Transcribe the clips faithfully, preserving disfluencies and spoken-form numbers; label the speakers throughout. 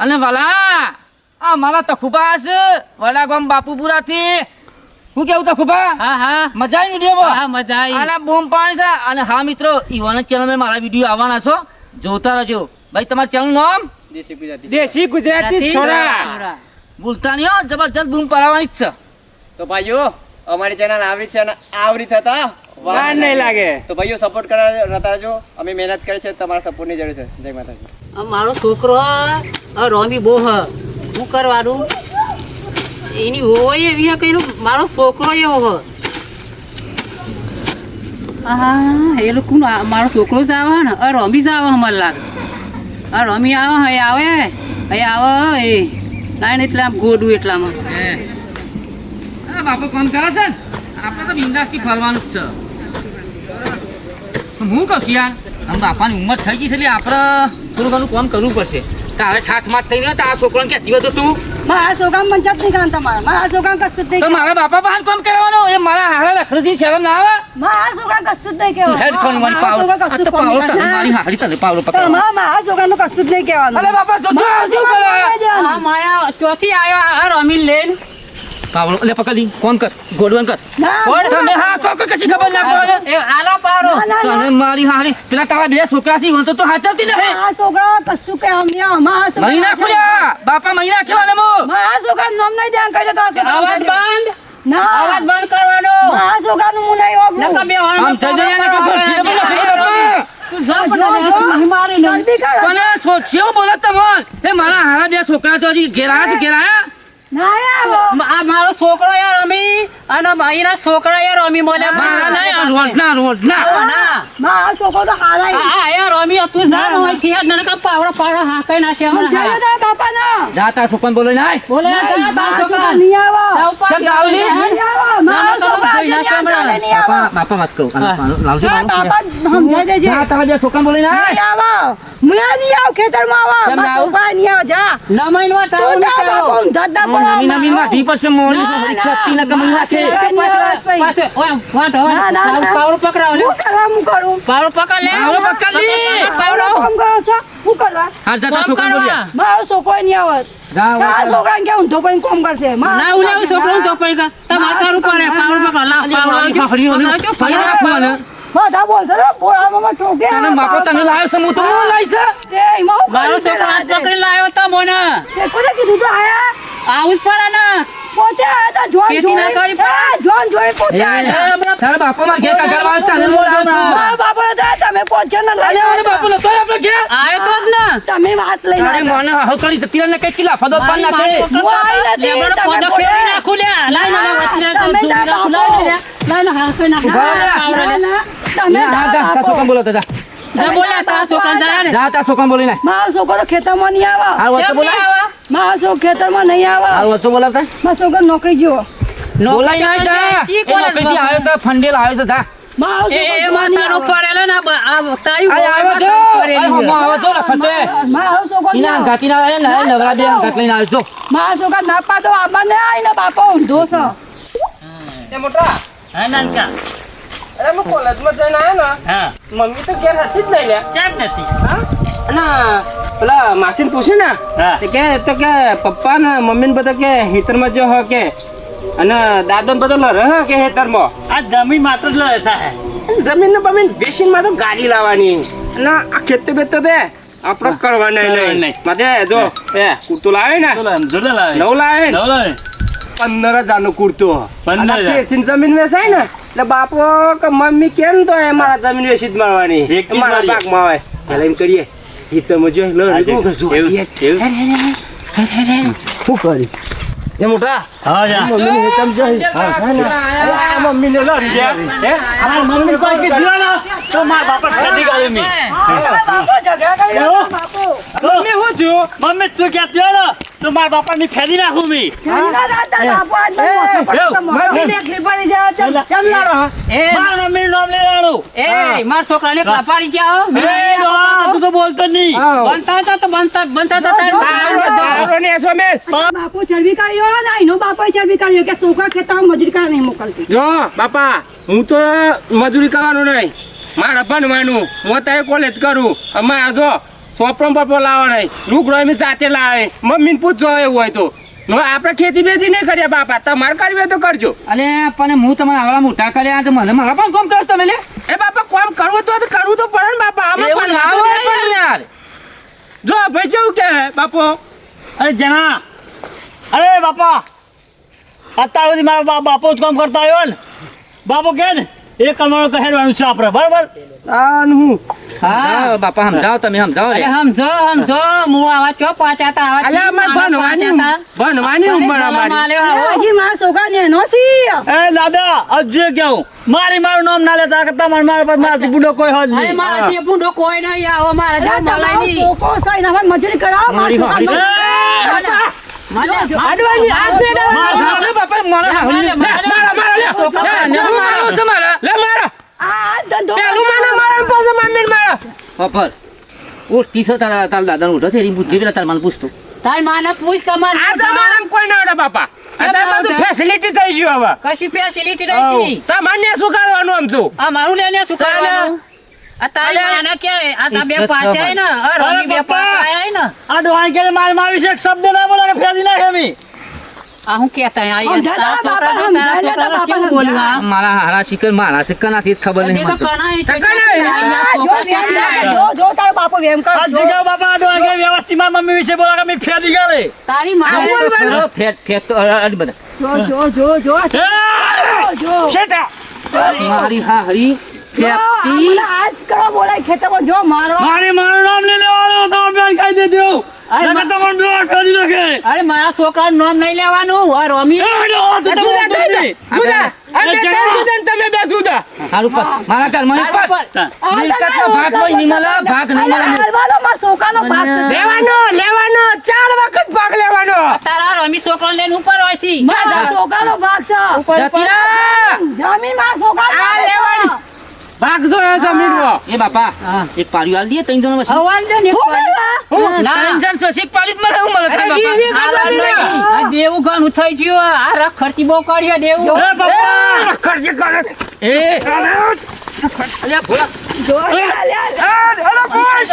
Speaker 1: અને વાલા આ મારા તખુબા છે વડા ગામ બાપુપુરાથી હું કેવું તખુબા
Speaker 2: હા હા
Speaker 1: મજા આવી વિડીયો
Speaker 2: હા મજા આવી
Speaker 1: આના બૂમ પાણી છે અને હા મિત્રો ઈવાના ચેનલ મારા વિડીયો આવવાના છો જોતા રહેજો ભાઈ તમારું ચેનલ નામ
Speaker 3: દેશી ગુજરાતી
Speaker 4: દેશી ગુજરાતી છોરા
Speaker 1: ભૂલતા નહીં હો જબરજસ્ત બૂમ પાડવાની જ છે
Speaker 3: તો ભાઈઓ અમારી ચેનલ આવરી છે અને આવરી થતા
Speaker 4: વાર નહીં લાગે
Speaker 3: તો ભાઈઓ સપોર્ટ કરવા રહેતા જો અમે મહેનત કરી છે તમારા સપોર્ટની જરૂર છે જય માતાજી
Speaker 2: આ મારો છોકરો આ રોમી બહુ હ શું કરવાનું એની હોય એવી હે કઈ મારો છોકરો એવો હ હા એ લોકો મારો છોકરો જ આવે ને આ રોમી જ આવે મને લાગે આ રોમી આવે હે આવે હે આવે એ લાઈન એટલે આમ ગોડું એટલામાં
Speaker 1: હા બાપુ કામ કરે છે ને આપણે તો બિંદાસથી ફરવાનું જ છે હું કહું છું યાર આમ બાપાની ઉંમર થઈ ગઈ છે એટલે આપણે થોડું ઘણું કામ કરવું પડશે તારે ઠાઠ માઠ થઈ ગયો તારા છોકરાને કહેતી હોય તો તું
Speaker 5: મારા છોકરા મંચક નહીં કાન તમારા મારા છોકરા કશું જ નહીં
Speaker 1: તો મારા બાપા પાસે કામ કરવાનું એ મારા હારા લખડથી શરમ ના આવે
Speaker 5: મારા છોકરા કશું જ નહીં કહેવાનું
Speaker 1: હેડ ફોન મારી પાવર આ તો પાવર તને મારી હારી તને પાવર પકડ
Speaker 5: તમારા મારા છોકરાનું કશું જ નહીં કહેવાનું
Speaker 1: અરે બાપા જો જો શું કરે
Speaker 2: આ માયા ચોથી આવ્યો આ રોમી લઈને
Speaker 1: પાવર લે પકડી ફોન કર ગોડવન કર
Speaker 5: ના,
Speaker 1: તમે હા કોક કશી ખબર ના પડે
Speaker 2: એ આલો પારો
Speaker 1: તને મારી હારી પેલા તારા બે છોકરા છે તો તો હાચવતી નહીં
Speaker 5: મારા છોકરા કશું કહેવાનું નહીં. મારા છોકરા
Speaker 1: મહિના ખુલ્યા બાપા મહિના કેવાને મો
Speaker 5: મારા છોકરાનું નામ નહીં ધ્યાન કરજો તારા છોકરા
Speaker 2: અવાજ બંધ
Speaker 5: ના
Speaker 2: અવાજ બંધ કરવાનો
Speaker 5: મારા છોકરાનું હું નહીં વાપરું.
Speaker 2: નકા બે
Speaker 1: આમ થઈ જાય ને કોઈ ખુરશી બોલે બાપા
Speaker 2: તું જા પણ મારી ને
Speaker 5: જલ્દી કરો.
Speaker 1: કોને સોચ્યો બોલે તમોન એ મારા હારા બે છોકરા તો હજી ઘેરાયા છે ઘેરાયા
Speaker 5: ના આવો.
Speaker 2: આ મારો છોકરો યાર રમી અને ભાઈના છોકરા યાર રમી મોલે
Speaker 1: મારા નહીં આ રોડના રોડના
Speaker 2: ના
Speaker 5: મારા છોકરો તો હારા છે.
Speaker 2: આ યાર રમી તું જા ન હોય થી નને કા પાવડો પાવડો હા કઈ નાખે
Speaker 5: સમજાયો
Speaker 2: હમણાં
Speaker 5: તારા બાપાને?
Speaker 1: જાતા છોકરાને બોલે નાય
Speaker 2: બોલે
Speaker 5: મારા
Speaker 2: તારા
Speaker 5: છોકરા
Speaker 2: છોકરા
Speaker 5: નહીં આવો.
Speaker 1: ચલ ગાવલી
Speaker 5: નહીં આવો. મારા
Speaker 2: ના,
Speaker 5: છોકરા
Speaker 2: કોઈ ના
Speaker 5: આજે
Speaker 2: સાંભળે.
Speaker 5: નહીં આવો.
Speaker 1: બાપા બાપા વાત કહું લાવજો
Speaker 5: હા, બાપા સમજાઈ દેજે.
Speaker 1: જા તારા બે છોકરાને બોલે
Speaker 5: નહીં
Speaker 1: નાય
Speaker 5: આવો. મને નહીં આવો, ખેતરમાં આવો.
Speaker 1: કેમ
Speaker 5: મારા
Speaker 1: આવું?
Speaker 5: છોકરા નહીં આવો, જા.
Speaker 2: ના મહિનો
Speaker 5: તું
Speaker 2: તાવ
Speaker 5: જા, બાપુ, ધંધા પર આવો.
Speaker 1: નવી નવી માઠી પછી મોડી
Speaker 5: ના, ના,
Speaker 1: છત્તી ના કમલા છે
Speaker 2: પાછો ઓય વાટ
Speaker 5: ના, ના, ના.
Speaker 2: પાવડો પકડાવ લે
Speaker 5: હું કરવા, હું કરું?
Speaker 2: પાવડો પકડ લે
Speaker 1: પાવડો પકડ લે.
Speaker 2: પાવડો
Speaker 5: કામ કરો છો? હું કરવા?
Speaker 1: હા જા તારા
Speaker 2: કામ
Speaker 1: છોકરાને બોલ્યા
Speaker 2: કરવા
Speaker 5: મારો છોકરો નહીં આવે.
Speaker 1: જા
Speaker 5: તારા છોકરાને કેવું ઊંધો પડીને કામ કરશે? મારો
Speaker 2: ના ઉલે છોકરો તો પડી કા તમાર કરું પડે પાવડો પકડ લા પાવડો આવજો
Speaker 1: ફરી ફરી રાખો ને
Speaker 5: બધા બોલશે ને, બોલાવામાં ઠોકે.
Speaker 1: તને બાપો તને લાવ્યો છે હું તો હું લાવી છે
Speaker 5: તે એમાં હું
Speaker 2: મારો
Speaker 5: કરી
Speaker 2: છોકરો હાથ
Speaker 5: દેલા છે.
Speaker 2: પકડી લાવ્યો તો મને
Speaker 5: તે કોને કીધું તું આયા?
Speaker 2: આવું જ પડે ને
Speaker 5: પોતે આયા તા, જોન
Speaker 2: ખેતી ના
Speaker 5: જોડે.
Speaker 2: કરી પણ.
Speaker 5: એ, જોન જોડે પોતે આયા તા.
Speaker 1: તારા બાપા માં ઘેર કાગળ વાળ તને બોલાવો છો
Speaker 5: મારા બાપાને તો તમે પહોંચો ને લઈ
Speaker 1: અલે મને
Speaker 5: આવો.
Speaker 1: બાપુ નતો આપણે ઘેર
Speaker 2: આયો તો જ ને
Speaker 5: તમે વાત લઈને
Speaker 1: તારી
Speaker 5: આવ્યા.
Speaker 1: મને હાવ કરી જતી ને કઈ કિલા ફદો પાન નાખે
Speaker 5: હું આવી નથી,
Speaker 2: લેબડો
Speaker 5: તમે
Speaker 2: પોદો
Speaker 5: બોલે.
Speaker 2: ફેરી નાખું લે લાઈ ના વચ્ચે તો
Speaker 5: તમે જા
Speaker 2: દૂધ
Speaker 5: બાપો.
Speaker 2: લાઈ લે લાઈ ના હા કઈ ના
Speaker 1: ઉભા રહો.
Speaker 2: પાવડો લે
Speaker 5: ના, તમે
Speaker 1: હા
Speaker 5: જા
Speaker 1: જા તારા
Speaker 5: બાપો.
Speaker 1: છોકરાને બોલાવતો જા
Speaker 2: જા બોલ્યા તારા છોકરા જા ને
Speaker 1: જા તારા છોકરાને બોલી નાખ
Speaker 5: મારો છોકરો ખેતરમાં નહીં આવે.
Speaker 1: હાલ વચ્ચે
Speaker 2: કેમ નહીં
Speaker 1: બોલાય
Speaker 2: આવા
Speaker 5: મારો છોકરો ખેતરમાં નહીં આવે.
Speaker 1: હાલ વચ્ચે બોલાવતા
Speaker 5: મારો છોકરો નોકરી જેવો.
Speaker 1: બોલાય ના જા
Speaker 2: ચી
Speaker 1: એ
Speaker 2: કોલેજ
Speaker 1: નોકરીથી આવ્યો તો ફંડેલ આવ્યો છે જા
Speaker 5: મારો
Speaker 2: એ
Speaker 5: છોકરો
Speaker 2: એ
Speaker 5: જોવા નહીં
Speaker 2: માતાનો
Speaker 5: આવે.
Speaker 2: પડેલો ને બ- આ તારી
Speaker 1: આ આવ્યો છો આ હમો આવ્યો તો લખતે
Speaker 5: મારો છોકરો નહીં
Speaker 1: ઇના
Speaker 5: આવે.
Speaker 1: ગાતી ના ના નવરા બે ગાત લઈને આવ્યો છો
Speaker 5: મારા છોકરા ના પાડો આબા ને આવીને બાપો ઊંધો છે.
Speaker 4: એ મોટા
Speaker 6: હા નાનકા
Speaker 4: અરે હું કોલેજમાં જઈને આવ્યો ને
Speaker 6: હા
Speaker 4: મમ્મી તો ઘેર હતી જ લઈ લે
Speaker 6: ક્યાં જ નથી
Speaker 4: અને પેલા માસીને પૂછ્યું ને
Speaker 6: હા.
Speaker 4: તે કે તો કે પપ્પા ને મમ્મી ને બધા કે હેતરમાં જો હ કે અને દાદા ને બધા લરે હ કે હેતરમાં
Speaker 6: આ જમીન માત્ર જ લડે થાય
Speaker 4: જમીન ને બમીન વેચીને તો ગાડી લાવવાની અને આ ખેતી બેત તો દે આપણે કરવાના
Speaker 6: કરવાના
Speaker 4: નહીં
Speaker 6: નહીં.
Speaker 4: માથે જો એ કુર્તું લાવે ને
Speaker 6: જોડે લાવે
Speaker 4: નવ લાવે ને
Speaker 6: નવ લાવે
Speaker 4: પંદર હજાર નું કુર્તું
Speaker 6: પંદર હજાર.
Speaker 4: વેચીને જમીન વેચાય ને એટલે બાપો કે મમ્મી કેમ તો એ મારા જમીન વેચી જ મળવાની
Speaker 6: વેચી જ
Speaker 4: મારા
Speaker 6: મળીએ.
Speaker 4: ભાગમાં આવે પેલા એમ કરીએ હિતમાં જો લો
Speaker 6: હા,
Speaker 4: શું કરશું?
Speaker 6: એવું, એવું.
Speaker 4: શું કરી એ મોટા
Speaker 6: હા જા
Speaker 4: મમ્મી ને હેતમ જો હા મમ્મી ને લો હે
Speaker 6: આ મમ્મી કોઈ કીધું ને તો માર બાપા ફેદી ગાડી મી
Speaker 5: બાપો ઝઘડા કરી
Speaker 6: એવું?
Speaker 5: બાપો.
Speaker 4: મમ્મી શું થયું
Speaker 6: મમ્મી તું ક્યાં થયો ને તો માર બાપા ની ફેદી નાખું મી
Speaker 5: ઘરના રાતા બાપો આજ મને મોઢું પડે તો મમ્મીને એકલી પડી જાય તો કેમ લડો?
Speaker 2: એ
Speaker 6: માર મમ્મી નું નામ લેવાનું
Speaker 2: એ માર છોકરાને કાપાડી જાઓ
Speaker 6: એ ડોહા, તું તો બોલતો નહીં
Speaker 2: બનતા હતા તો બનતા બનતા હતા તારે
Speaker 4: દારૂ ને એસો મેલ
Speaker 5: બાપો ચરબી કાઢ્યો ને એનો બાપો ચરબી કાઢ્યો કે છોકરા ખેતરમાં મજૂરી કરવા નહીં મોકલતી.
Speaker 4: જો બાપા હું તો મજૂરી કરવાનું નહીં મારા ભણવાનું હું અત્યારે કોલેજ કરું અમારા જો સોપરમ પપ્પો લાવો નહીં લુગડો એમ જાતે લાવે મમ્મીને પૂછજો એવું હોય તો હવે આપણે ખેતી બેતી નહીં કરીએ બાપા તમારે કરવી હોય તો કરજો.
Speaker 1: અલે પણ હું તમારા આવડા મોટા કર્યા તો મને મારા પણ કોમ કરો તમે લે
Speaker 4: એ બાપા કોમ કરવું તો કરવું તો પડે ને બાપા આમાં
Speaker 1: એવું
Speaker 4: પણ
Speaker 1: ના
Speaker 4: લાવો
Speaker 1: હોય પણ યાર
Speaker 4: જો ભાઈ કેવું કે બાપો
Speaker 6: અરે જણા અરે બાપા અત્યાર સુધી મારા બા- બાપો જ કામ કરતા આવ્યો ને બાપો કે ને એ કમાણો કહેવાનું છે આપણે બરાબર
Speaker 4: આ હું
Speaker 1: હા બાપા સમજાવો તમે સમજાવો લે
Speaker 2: અરે સમજો સમજો હું આવા ચો પાછાતા આવા
Speaker 4: અલ્યા અમારે ભણવાની ઉંમર- ભણવાની ઉંમર અમારી
Speaker 5: હજી મારા છોકરા નેનો છે.
Speaker 6: એ દાદા હજુ કેવું મારી મારું નામ ના લેતા કે તમારે મારા પર મારાથી બુડો કોઈ હોજ
Speaker 2: અરે
Speaker 6: નહીં
Speaker 2: મારા જે બુંડો કોઈ નહીં આવો મારા
Speaker 5: અરે
Speaker 2: જેવો મલાઈ
Speaker 5: તમારો
Speaker 2: નહીં.
Speaker 5: છોકરો છે ને હવે મજૂરી કરાવો મારા છોકરાનો.
Speaker 2: મને
Speaker 5: હાડવાની હાથ દે ને.
Speaker 1: અરે બાપા મારા હાલી
Speaker 4: મારા મારા લે
Speaker 1: લે મારો છે મારા
Speaker 4: લે મારા
Speaker 5: આ હાથ ધંધો
Speaker 4: પેલું મને મારા પાસે મમ્મીને મારા
Speaker 1: પપ્પા ઓ ટીસો તારા તારા દાદાનો ઉઠો છે એની બુદ્ધિ પેલા તાર મને પૂછતો
Speaker 2: તારી માને પૂછ તમારે
Speaker 4: આ જમાનામાં કોઈ ના આવડે બાપા અત્યારે બધું ફેસિલિટી થઈ ગયું હવે
Speaker 2: કશી ફેસિલિટી નથી.
Speaker 4: તમને શું કરવાનું આમ તું
Speaker 2: આ મારું લેને શું કરવાનું આ તારી માને કે આ તા બે પાછાય ને આ રમી બે
Speaker 6: પપ્પા.
Speaker 2: પાછાય ને
Speaker 6: આ ડોહાઈ કે માર મારી છે એક શબ્દ ના બોલે કે ફેરી નાખે મી
Speaker 2: આ હું કેતા આ
Speaker 5: સમજાય
Speaker 2: તારા
Speaker 5: તારા
Speaker 2: છોકરા
Speaker 5: બાપા,
Speaker 2: તારા
Speaker 5: સમજાય તારા
Speaker 2: છોકરા કેવું
Speaker 5: બાપા.
Speaker 2: બોલ્યું આ?
Speaker 1: મારા હારા શિકર મારા શિકર નથી ખબર નહીં
Speaker 2: તે તો
Speaker 1: મને તો.
Speaker 2: કણાય છે.
Speaker 4: કણાય.
Speaker 2: આ
Speaker 5: આ જો
Speaker 2: છોકરા
Speaker 5: વેમ
Speaker 2: કણાય.
Speaker 5: કરે, જો જો તારો બાપો વેમ કર
Speaker 6: આ
Speaker 5: જો.
Speaker 6: જગ્યા બાપા આ ડોહાઈ કે વ્યવસ્થિત મારી મમ્મી વિશે બોલા કે મી ફેરી ગાલે
Speaker 2: તારી માને
Speaker 1: અ, ફેટ ફેટ તો અ, અડ બધા
Speaker 5: જો જો જો જો જો જો
Speaker 4: શેટા
Speaker 1: મારી હા હરી
Speaker 5: જો, આ મને આજ કરો બોલાય ખેતરમાં જો મારવા
Speaker 6: મારી મારું નામ લઈ લેવાનું તો બેન કહી દેજો
Speaker 2: અરે
Speaker 6: નકર તમારું ડોહા ફેરી નાખે
Speaker 2: અરે મારા છોકરાનું નામ નહીં લેવાનું આ રમી
Speaker 6: એ ડોહા તો તમે
Speaker 4: જુદા
Speaker 6: બોલતો નહીં.
Speaker 4: જુદા આ
Speaker 6: એ
Speaker 4: બે
Speaker 6: જણા.
Speaker 4: જુદા ને તમે બે જુદા
Speaker 1: હારું પર મારા ઘર મને
Speaker 2: તારા
Speaker 1: પર
Speaker 2: પર.
Speaker 1: મિલકતનો ભાગ કોઈ નહીં મળે, ભાગ નહીં મળે.
Speaker 5: હાલવાનો મારા છોકરાનો ભાગ છે.
Speaker 4: લેવાનો લેવાનો ચાર વખત ભાગ લેવાનો
Speaker 2: તારા રમી છોકરાને લઈને ઉપર હોય થી
Speaker 5: મારા છોકરાનો ભાગ છે.
Speaker 2: ઉપર
Speaker 1: જતી રહે.
Speaker 5: જમીન મારા છોકરાનો
Speaker 4: આ
Speaker 5: ભાગ છે.
Speaker 4: લેવાની. ભાગ જો એ જમીનનો
Speaker 1: એ બાપા
Speaker 2: હા.
Speaker 1: એક પાડ્યું હાલ દે ત્રણ જણ વચ્ચે.
Speaker 2: હવાલ દે ને
Speaker 5: હું કરવા?
Speaker 2: ના.
Speaker 1: ત્રણ જણ છે, એક પાડ્યું જ મળે એવું મળે થાય
Speaker 4: અરે, વી-
Speaker 1: બાપા.
Speaker 4: વી-
Speaker 2: આ લાલ નહીં. આ દેવું ઘણું થઈ ગયું આ રખ ખર્ચી બહુ કર્યો દેવું
Speaker 6: એ પપ્પા
Speaker 4: ખર્ચી કરે
Speaker 1: એ અલ્યા ભોળા
Speaker 5: જો, લે, લે, લે.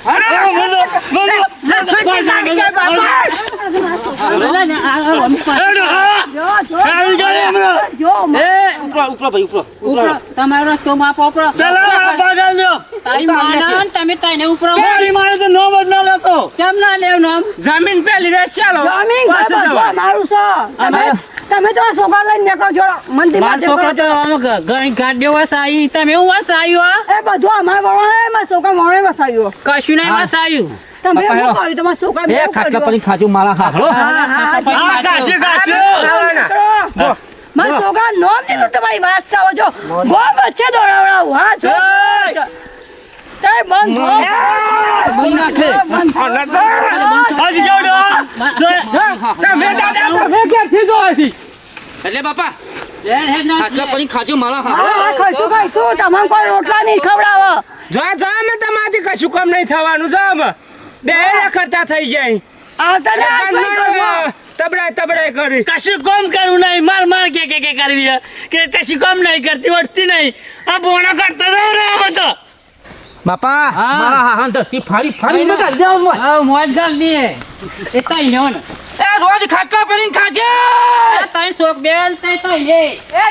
Speaker 2: બોલા ને, આ- આ રમી પાસે.
Speaker 5: જો, જો,
Speaker 6: ફેરી ગાલે હમણાં.
Speaker 5: જો,
Speaker 1: એ ઉપરો ઉપરો ભાઈ ઉપરો
Speaker 2: ઉપરો તમારો રસ્તો માપો ઉપરો
Speaker 6: પેલા મારા ભાગ આલ દ્યો.
Speaker 2: તારી માના ને તમે તને ઉપરો
Speaker 6: મારી મારે તો નામ જ ના લેતો
Speaker 2: કેમ ના લેવ નામ
Speaker 4: જમીન પેલી રે ચાલો
Speaker 5: જમીન ઘર
Speaker 4: પાછું
Speaker 5: બધું
Speaker 4: જવાનું.
Speaker 5: અમારું છે. તમે- તમે તો આ છોકરા લઈને નીકળો છો મંદિર
Speaker 2: મારો
Speaker 5: માટે
Speaker 2: છોકરો તો
Speaker 5: કરો.
Speaker 2: આમ ગ- ઘણી ગાડીઓ વસાવી તમે હું વસાવ્યું
Speaker 5: એ બધું અમારા વણવાને મારા છોકરા વણે વસાવ્યો.
Speaker 2: કશું નહીં વસાવ્યું
Speaker 5: તમે
Speaker 1: બાપા,
Speaker 5: શું
Speaker 1: હેલો.
Speaker 5: કર્યું તમારા છોકરા
Speaker 1: બે ખાટલા પડી ખાજો મારા હાથળો.
Speaker 5: હા, હા, હા.
Speaker 6: આ કાશી કાશી
Speaker 5: મિત્રો, મારા છોકરા નામ લીધું તમારી વાત છે. હવે જો ગોળ વચ્ચે દોડાવડાવું. હા, જો.
Speaker 6: એ!
Speaker 5: સાહેબ, બંધ થો.
Speaker 1: બંધ નાખે.
Speaker 5: બંધ થો.
Speaker 6: હાજી જાઓ ડોહા.
Speaker 4: તમે દાદા તમે ક્યાંથી જો હતી
Speaker 1: એટલે બાપા
Speaker 2: હેડ હેડ ના
Speaker 1: ખાટલા પડી ખાજો મારા
Speaker 5: હા,
Speaker 1: હાથળો.
Speaker 5: હા, ખાઈશું, ખાઈશું. તમને કોઈ રોટલા નહીં ખવડાવે.
Speaker 4: જો જો અમે તમારાથી કશું કામ નહીં થવાનું જો અમે બે કરતા થઈ જાય
Speaker 5: આવતા ને આ કોઈ ઘરમાં.
Speaker 4: તબડાય તબડાય કરી
Speaker 6: કશું કામ કરવું નહીં માર માર કે કે કે કરવી છે. કે કશું કામ નહીં કરતી વળતી નહીં આ બોણા કરતા જાવ રે આમાં તો
Speaker 1: બાપા મારા હાથ ધરતી ફાડી ફાડી મગા જાવ મોય.
Speaker 2: હા મોજ ગાલ દે એ તઈ લ્યો ને
Speaker 1: એ રોજ ખાટલા પડીને ખાજે.
Speaker 2: આ તઈ શોક બેન તઈ તઈ લે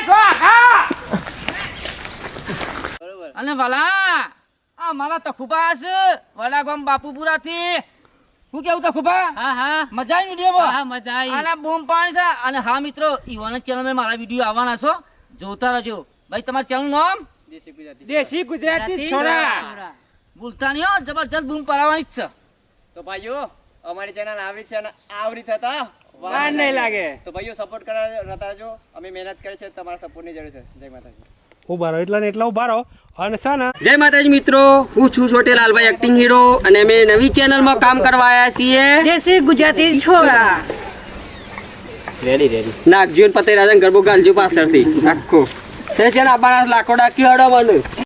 Speaker 1: અને વાલા આ મારા તખુબા છે વડા ગામ બાપુપુરા થી હું કેવું તખુબા
Speaker 2: હા હા
Speaker 1: મજા આવી વિડીયો
Speaker 2: હા મજા આવી
Speaker 1: આના બૂમ પાણી છે અને હા મિત્રો ઈવાના ચેનલ માં મારા વિડીયો આવવાના છો જોતા રહેજો ભાઈ તમારા ચેનલ નામ
Speaker 3: દેશી ગુજરાતી
Speaker 4: દેશી ગુજરાતી છોરા
Speaker 1: ભૂલતા નહીં હો જબરજસ્ત બૂમ પાડવાની જ છે
Speaker 3: તો ભાઈઓ અમારી ચેનલ આવરી છે અને આવરી થતા
Speaker 4: વાર નહીં લાગે
Speaker 3: તો ભાઈઓ સપોર્ટ કરવા રહેતા જો અમે મહેનત કરી છે તમારા સપોર્ટની જરૂર છે જય માતાજી
Speaker 4: ઉભારો એટલા ને એટલા ઉભારો અને છે ને
Speaker 7: જય માતાજી મિત્રો હું છું છોટેલાલભાઈ એક્ટિંગ હીરો અને અમે નવી ચેનલમાં કામ કરવા આવ્યા છીએ
Speaker 5: દેશી ગુજરાતી છોરા.
Speaker 7: રેડી રેડી નાગજીવન પતેરાજન ગરબો ગાલજો પાછળથી આખો તે છે ને આ લાકડા ક્યોડો મને